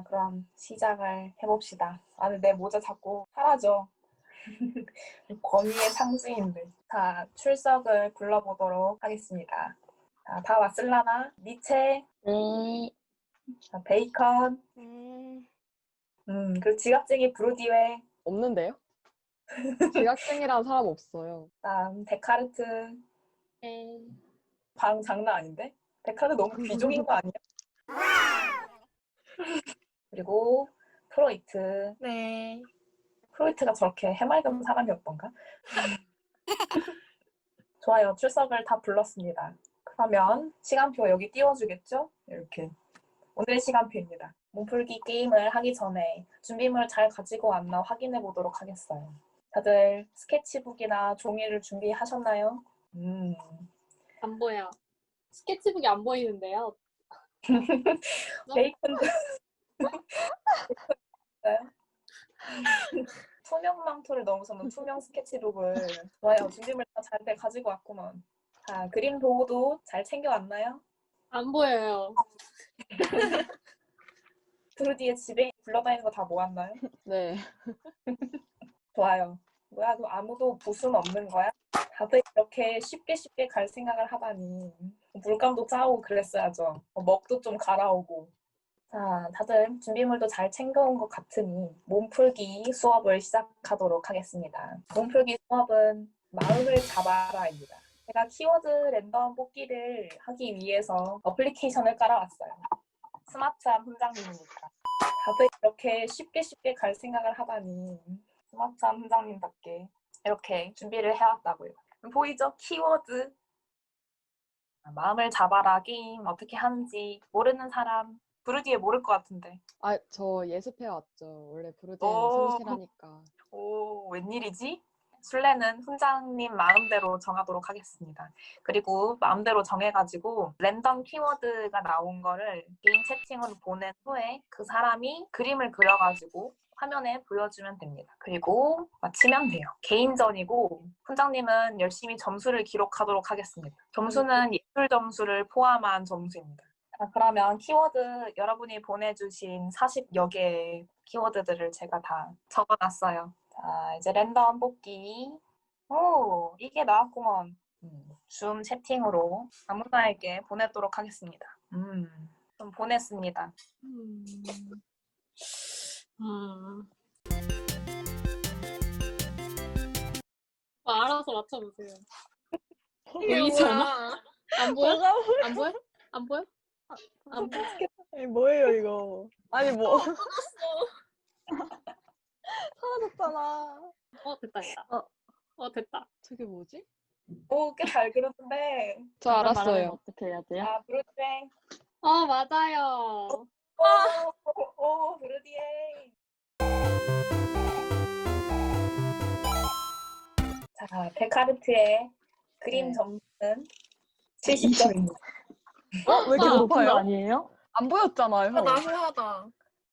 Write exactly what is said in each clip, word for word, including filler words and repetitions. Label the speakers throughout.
Speaker 1: 그럼 시작을 해봅시다. 아, 근데 내 모자 자꾸 사라져. 권위의 상징인데. 자, 출석을 불러보도록 하겠습니다. 자, 다 왔을라나? 니체,
Speaker 2: 네.
Speaker 1: 자, 베이컨,
Speaker 2: 음,
Speaker 1: 음, 그리고 지각쟁이 브루디웨,
Speaker 2: 없는데요? 지각생이라는 사람 없어요.
Speaker 1: 다음 데카르트.
Speaker 2: 네.
Speaker 1: 방 장난 아닌데? 데카르트 너무 귀종인 거 아니야? 그리고 프로이트.
Speaker 2: 네.
Speaker 1: 프로이트가 저렇게 해맑은 사람이었던가? 좋아요. 출석을 다 불렀습니다. 그러면 시간표 여기 띄워주겠죠? 이렇게. 오늘의 시간표입니다. 몸풀기 게임을 하기 전에 준비물 잘 가지고 왔나 확인해 보도록 하겠어요. 다들 스케치북이나 종이를 준비하셨나요? 음.
Speaker 3: 안 보여. 스케치북이 안 보이는데요.
Speaker 1: 베이컨도 투명 망토를 넘어서는 투명 스케치북을. 좋아요. 준비물 다 잘 가지고 왔구먼. 자, 그림 도구도 잘 챙겨왔나요?
Speaker 3: 안 보여요.
Speaker 1: 브루디의 집에 굴러다니는 거 다 모았나요?
Speaker 2: 네.
Speaker 1: 좋아요. 뭐야, 너 아무도 붓은 없는 거야? 다들 이렇게 쉽게 쉽게 갈 생각을 하다니. 물감도 짜오고 그랬어야죠. 어, 먹도 좀 갈아오고. 자, 다들 준비물도 잘 챙겨온 것 같으니 몸풀기 수업을 시작하도록 하겠습니다. 몸풀기 수업은 마음을 잡아라입니다. 제가 키워드 랜덤 뽑기를 하기 위해서 어플리케이션을 깔아왔어요. 스마트한 훈장님이니까. 다들 이렇게 쉽게 쉽게 갈 생각을 하다니. 스마트한 훈장님답게 이렇게 준비를 해왔다고요. 보이죠? 키워드. 마음을 잡아라 게임 어떻게 하는지 모르는 사람 브루디에 모를 것 같은데.
Speaker 2: 아, 저 예습해왔죠. 원래 브루디는
Speaker 1: 오.
Speaker 2: 성실하니까.
Speaker 1: 오, 웬일이지? 술래는 훈장님 마음대로 정하도록 하겠습니다. 그리고 마음대로 정해가지고 랜덤 키워드가 나온 거를 개인 채팅으로 보낸 후에 그 사람이 그림을 그려가지고 화면에 보여주면 됩니다. 그리고 마치면 돼요. 개인전이고 훈장님은 열심히 점수를 기록하도록 하겠습니다. 점수는 예술 점수를 포함한 점수입니다. 자, 그러면 키워드 여러분이 보내주신 사십여 개의 키워드들을 제가 다 적어놨어요. 자, 이제 랜덤 뽑기. 오, 이게 나왔구먼. 음, 줌 채팅으로 아무나에게 보내도록 하겠습니다. 음, 좀 보냈습니다.
Speaker 3: 음. 음. 아, 알아서 맞춰보세요. 보이잖아. 안 보여?
Speaker 2: 뭐가
Speaker 3: 안 보여? 안 보여? 안 보여?
Speaker 2: 아니, 뭐예요, 이거? 아니, 뭐. 사라졌잖아.
Speaker 3: 어, 됐다, 됐다.
Speaker 2: 어.
Speaker 3: 어, 됐다.
Speaker 2: 저게 뭐지?
Speaker 1: 오, 꽤 잘 그렸는데.
Speaker 2: 저 알았어요.
Speaker 4: 어떻게 해야 돼요?
Speaker 1: 자, 브루디에.
Speaker 3: 어, 맞아요.
Speaker 1: 오, 오, 브루디에. 자, 데카르트의 그림
Speaker 2: 네.
Speaker 1: 점수는 칠십 점입니다.
Speaker 2: 어? 왜 이렇게
Speaker 4: 높은
Speaker 2: 높아요?
Speaker 4: 거 아니에요?
Speaker 2: 안 보였잖아요.
Speaker 3: 후하다.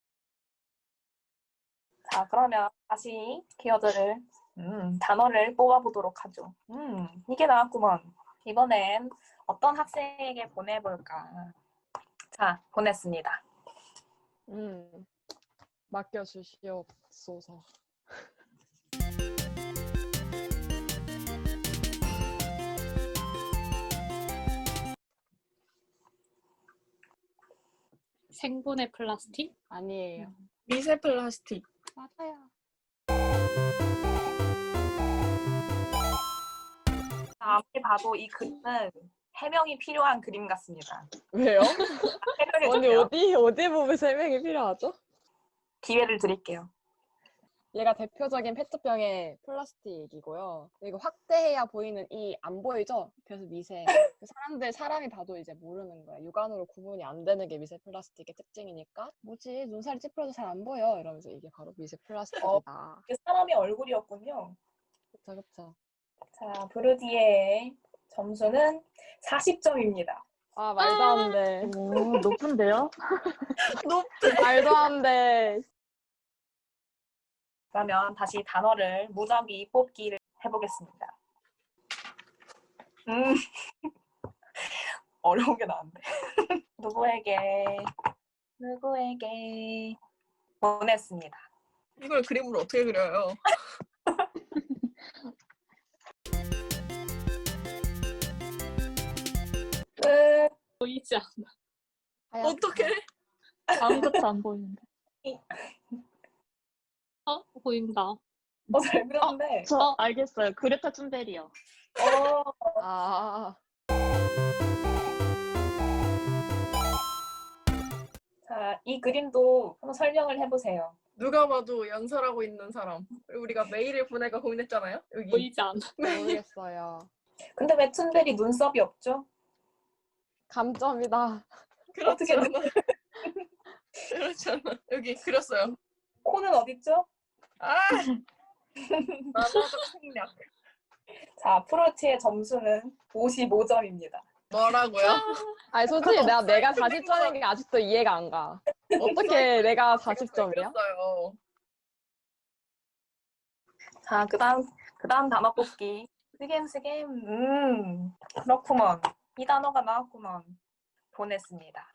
Speaker 1: 자, 그러면 다시 키워드를, 음, 단어를 뽑아보도록 하죠. 음, 이게 나왔구먼. 이번엔 어떤 학생에게 보내볼까? 자, 보냈습니다.
Speaker 2: 음, 맡겨주시옵소서.
Speaker 3: 생분해 플라스틱?
Speaker 2: 아니에요.
Speaker 3: 미세 플라스틱.
Speaker 2: 맞아요.
Speaker 1: 자, 아무리 봐도 이 그림은 해명이 필요한 그림 같습니다.
Speaker 2: 왜요?
Speaker 1: 해명해
Speaker 2: 언니
Speaker 1: 주세요.
Speaker 2: 어디 어디 부분 설명이 필요하죠?
Speaker 1: 기회를 드릴게요.
Speaker 2: 얘가 대표적인 페트병의 플라스틱이고요. 이거 확대해야 보이는 이 안 보이죠? 그래서 미세. 그 사람들 사람이 봐도 이제 모르는 거야. 육안으로 구분이 안 되는 게 미세 플라스틱의 특징이니까. 뭐지? 눈살이 찌푸려서 잘 안 보여. 이러면서 이게 바로 미세 플라스틱이다.
Speaker 1: 이게 사람의 얼굴이었군요.
Speaker 2: 그쵸 그쵸.
Speaker 1: 자, 브루디의 점수는 사십 점입니다.
Speaker 2: 아 말도 안 돼.
Speaker 4: 오, 높은데요?
Speaker 2: 말도 안 돼.
Speaker 1: 그러면 다시 단어를 무작위 뽑기를 해보겠습니다. 음, 어려운 게 나은데. 누구에게 누구에게 보냈습니다.
Speaker 4: 이걸 그림으로 어떻게 그려요?
Speaker 1: 끝.
Speaker 3: 보이지 않아.
Speaker 2: 하얗다.
Speaker 4: 어떻게?
Speaker 5: 아무것도 안 보이는데.
Speaker 3: 어? 보인다.
Speaker 1: 어, 잘 그렸는데.
Speaker 5: 저
Speaker 3: 어?
Speaker 5: 알겠어요. 그레타 툰베리요.
Speaker 1: 어,
Speaker 2: 아,
Speaker 1: 자, 이 그림도 한번 설명을 해보세요.
Speaker 4: 누가 봐도 연설하고 있는 사람. 그리고 우리가 메일을 보낼까 고민했잖아요. 여기.
Speaker 3: 보이지 않아.
Speaker 2: 모르겠어요.
Speaker 1: 근데 왜 툰베리 눈썹이 없죠?
Speaker 2: 감점이다.
Speaker 4: 그렇지
Speaker 1: 어떻게
Speaker 4: 않아. 그렇지 않아. 여기 그렸어요.
Speaker 1: 코는 어딨죠?
Speaker 4: 아! 만화적 생략.
Speaker 1: 자, 프로티의 점수는 오십오 점입니다.
Speaker 4: 뭐라고요?
Speaker 2: 아니 솔직히 내가 내가 사십 점인 게 아직도 이해가 안 가. 어떻게 내가 사십 점이야?
Speaker 4: 그렸어요.
Speaker 1: 자, 그 다음, 그 다음 단어 뽑기. 스겜, 스겜. 음, 그렇구먼. 이 단어가 나왔구먼. 보냈습니다.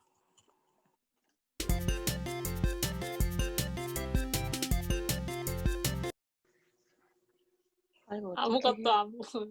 Speaker 5: 아이고,
Speaker 3: 아무것도 안 보여.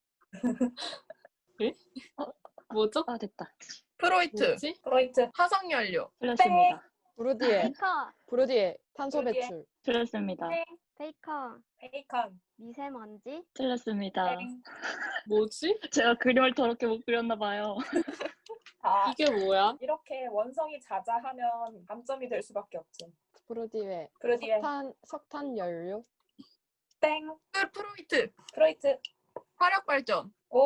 Speaker 3: 예? 뭐죠?
Speaker 5: 아, 됐다.
Speaker 4: 프로이트.
Speaker 3: 뭐지?
Speaker 1: 프로이트.
Speaker 4: 화석연료.
Speaker 5: 틀렸습니다.
Speaker 2: 브루디에
Speaker 6: 베이컨,
Speaker 2: 브루디에 탄소
Speaker 1: 브루디에.
Speaker 2: 배출.
Speaker 5: 틀렸습니다.
Speaker 1: 땡,
Speaker 6: 베이컨,
Speaker 1: 베이컨.
Speaker 6: 미세먼지,
Speaker 5: 틀렸습니다.
Speaker 1: 땡.
Speaker 3: 뭐지?
Speaker 5: 제가 그림을 더럽게 못 그렸나 봐요.
Speaker 1: 자,
Speaker 3: 이게 뭐야?
Speaker 1: 이렇게 원성이 자자하면 감점이 될 수밖에 없죠.
Speaker 2: 브루디에
Speaker 1: 브루디에.
Speaker 2: 석탄 석탄 연료.
Speaker 1: 땡.
Speaker 4: 끝 프로이트.
Speaker 1: 프로이트.
Speaker 4: 화력발전.
Speaker 1: 오.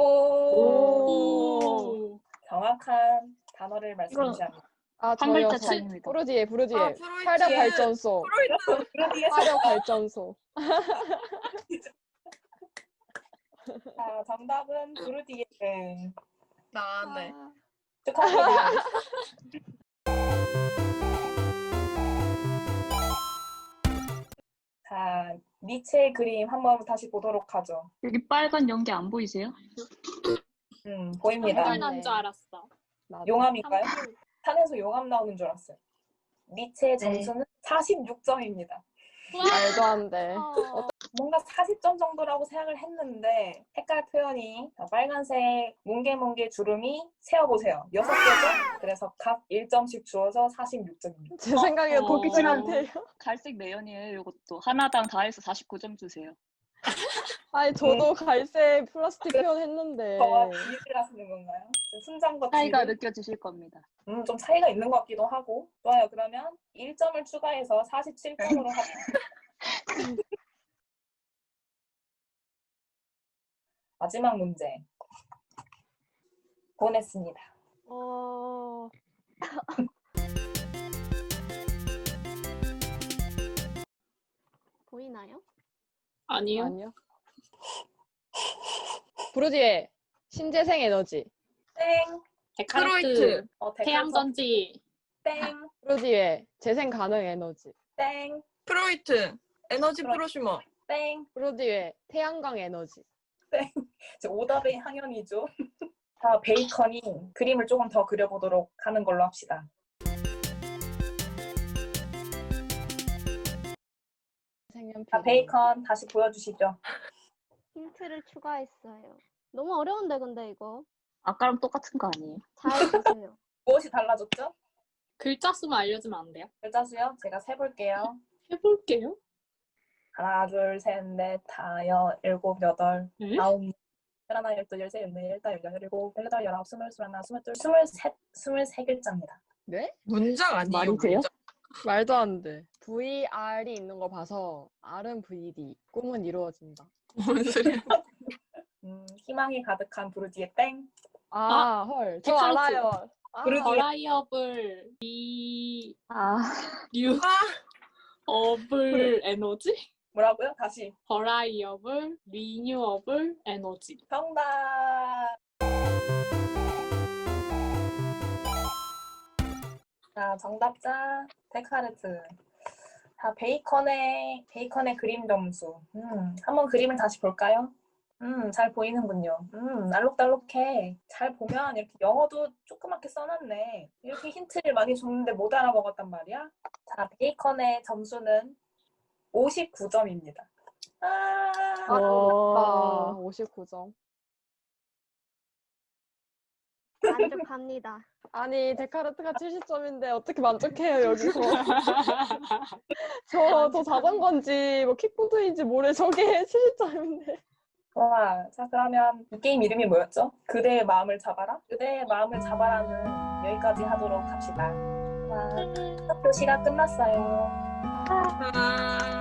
Speaker 3: 오.
Speaker 1: 정확한 단어를 말씀해 주합니다.
Speaker 2: 아
Speaker 5: 한
Speaker 2: 저요.
Speaker 5: 글자
Speaker 2: 저-
Speaker 5: 차이입니다.
Speaker 2: 브루디에 브루디에
Speaker 4: 아, 프로이트.
Speaker 2: 화력 발전소.
Speaker 4: 프로이트.
Speaker 1: 브루디에서.
Speaker 2: 화력 발전소.
Speaker 1: 자, 정답은 브루디에. 네.
Speaker 4: 나네.
Speaker 2: 아,
Speaker 1: 축하합니다. 자, 니체의 그림 한번 다시 보도록 하죠.
Speaker 5: 여기 빨간 연기 안 보이세요?
Speaker 1: 음, 보입니다.
Speaker 2: 한글
Speaker 3: 한글 난줄 알았어.
Speaker 2: 나도.
Speaker 1: 용암인가요?
Speaker 3: 한글.
Speaker 1: 산에서 용암 나오는 줄 알았어요. 니체의
Speaker 5: 네.
Speaker 1: 점수는 사십육 점입니다.
Speaker 2: 말도 안 돼.
Speaker 6: 어,
Speaker 1: 뭔가 사십 점 정도라고 생각을 했는데 색깔 표현이 자, 빨간색 뭉게뭉게 주름이 세어보세요. 여섯 개죠? 그래서 각 일 점씩 주어서 사십육 점입니다.
Speaker 2: 제 생각에
Speaker 3: 어.
Speaker 2: 보기 싫은데요.
Speaker 5: 갈색 매연이에요, 이것도. 하나당 다 해서 사십구 점 주세요.
Speaker 2: 아니 저도 갈색 플라스틱 표현했는데.
Speaker 1: 저와 비를 하시는 건가요? 지금 순장과
Speaker 5: 차이가
Speaker 1: 뒤를?
Speaker 5: 느껴지실 겁니다.
Speaker 1: 음, 좀 차이가 있는 것 같기도 하고. 좋아요. 그러면 일 점을 추가해서 사십칠 점으로 합니다. 마지막 문제. 보냈습니다.
Speaker 6: 어, 보이나요?
Speaker 3: 아니요.
Speaker 2: 아니요. 브루디에 신재생 에너지.
Speaker 1: 땡.
Speaker 3: 데카르트.
Speaker 4: 프로이트.
Speaker 1: 어, 데카르트.
Speaker 3: 태양전지.
Speaker 1: 땡.
Speaker 2: 브루디에 재생 가능 에너지.
Speaker 1: 땡.
Speaker 4: 프로이트. 에너지
Speaker 1: 프로-
Speaker 4: 프로슈머.
Speaker 1: 땡.
Speaker 2: 브루디에 태양광 에너지.
Speaker 1: 이제 오답의 항연이죠. 자, 베이컨이 그림을 조금 더 그려보도록 하는 걸로 합시다.
Speaker 2: 색연필.
Speaker 1: 자, 베이컨 다시 보여주시죠.
Speaker 6: 힌트를 추가했어요. 너무 어려운데 근데 이거
Speaker 5: 아까랑 똑같은 거 아니에요?
Speaker 6: 잘 보세요.
Speaker 1: 무엇이 달라졌죠?
Speaker 3: 글자 수만 알려주면 안 돼요?
Speaker 1: 글자 수요? 제가 세볼게요.
Speaker 3: 해볼게요.
Speaker 1: 하나, 둘, 셋, 넷, 다, 여, 일곱, 여덟,
Speaker 3: 네?
Speaker 1: 아홉, 열하나, 열둘, 열세, 열네, 열다, 열일곱, 열여덟, 열아홉, 스물, 스물하나, 스물둘, 스물셋, 스물세 글자입니다.
Speaker 2: 네?
Speaker 4: 문장 아니에요?
Speaker 5: 말이세요?
Speaker 4: 문장.
Speaker 2: 말도 안 돼. 브이알이 있는 거 봐서 R은 브이디. 꿈은 이루어진다.
Speaker 4: 뭔 소리야?
Speaker 1: 음, 희망이 가득한 브루디의 땡.
Speaker 2: 아, 헐. 저
Speaker 3: 데카르트.
Speaker 2: 알아요. 아,
Speaker 1: 브루디.
Speaker 3: 버라이어블 리...
Speaker 5: 아,
Speaker 3: 류...
Speaker 4: 아,
Speaker 3: 어블 에너지?
Speaker 1: 뭐라고요? 다시.
Speaker 3: 버라이어블 리뉴어블 에너지.
Speaker 1: 정답. 자, 정답자 데카르트. 자, 베이컨의 베이컨의 그림 점수. 음, 한번 그림을 다시 볼까요? 음, 잘 보이는군요. 음, 알록달록해. 잘 보면 이렇게 영어도 조그맣게 써놨네. 이렇게 힌트를 많이 줬는데 못 알아먹었단 말이야. 자, 베이컨의 점수는 오십구 점입니다. 아,
Speaker 2: 와, 오십구 점.
Speaker 6: 만족합니다.
Speaker 2: 아니, 데카르트가 칠십 점인데 어떻게 만족해요, 여기서. 저, 저 자전거인지, 뭐, 킥보드인지 모래 저게 칠십 점인데.
Speaker 1: 와, 자, 그러면 이 게임 이름이 뭐였죠? 그대의 마음을 잡아라? 그대의 마음을 잡아라는 여기까지 하도록 합시다. 와, 학교 시간 끝났어요.
Speaker 4: 아.